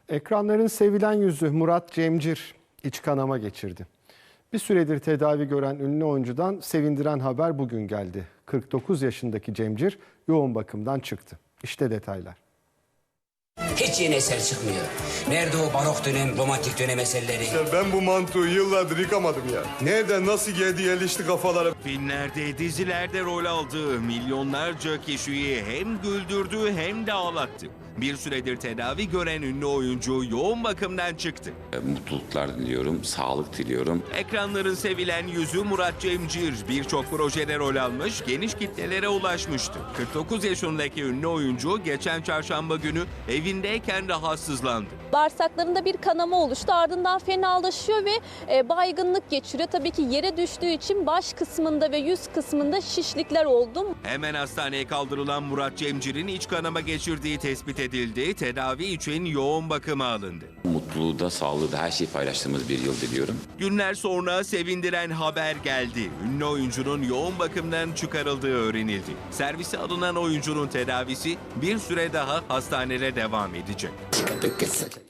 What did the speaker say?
Ekranların sevilen yüzü Murat Cemcir iç kanama geçirdi. Bir süredir tedavi gören ünlü oyuncudan sevindiren haber bugün geldi. 49 yaşındaki Cemcir yoğun bakımdan çıktı. İşte detaylar. Hiç yeni eser çıkmıyor. Nerede o barok dönem, romantik dönem eserleri? Ya ben bu mantığı yıllardır yıkamadım ya. Nereden nasıl geldi yerleşti kafalara? Filmlerde, dizilerde rol aldığı milyonlarca kişiyi hem güldürdü hem de ağlattı. Bir süredir tedavi gören ünlü oyuncu yoğun bakımdan çıktı. Mutluluklar diliyorum, sağlık diliyorum. Ekranların sevilen yüzü Murat Cemcir birçok projede rol almış, geniş kitlelere ulaşmıştı. 49 yaşındaki ünlü oyuncu geçen çarşamba günü evindeyken rahatsızlandı. Bağırsaklarında bir kanama oluştu, ardından fenalaşıyor ve baygınlık geçiriyor. Tabii ki yere düştüğü için baş kısmında ve yüz kısmında şişlikler oldu. Hemen hastaneye kaldırılan Murat Cemcir'in iç kanama geçirdiği tespit edildi. Tedavi için yoğun bakıma alındı. Mutluluğu da, sağlığı da her şeyi paylaştığımız bir yıl diliyorum. Günler sonra sevindiren haber geldi. Ünlü oyuncunun yoğun bakımdan çıkarıldığı öğrenildi. Servise alınan oyuncunun tedavisi bir süre daha hastanede devam edecek.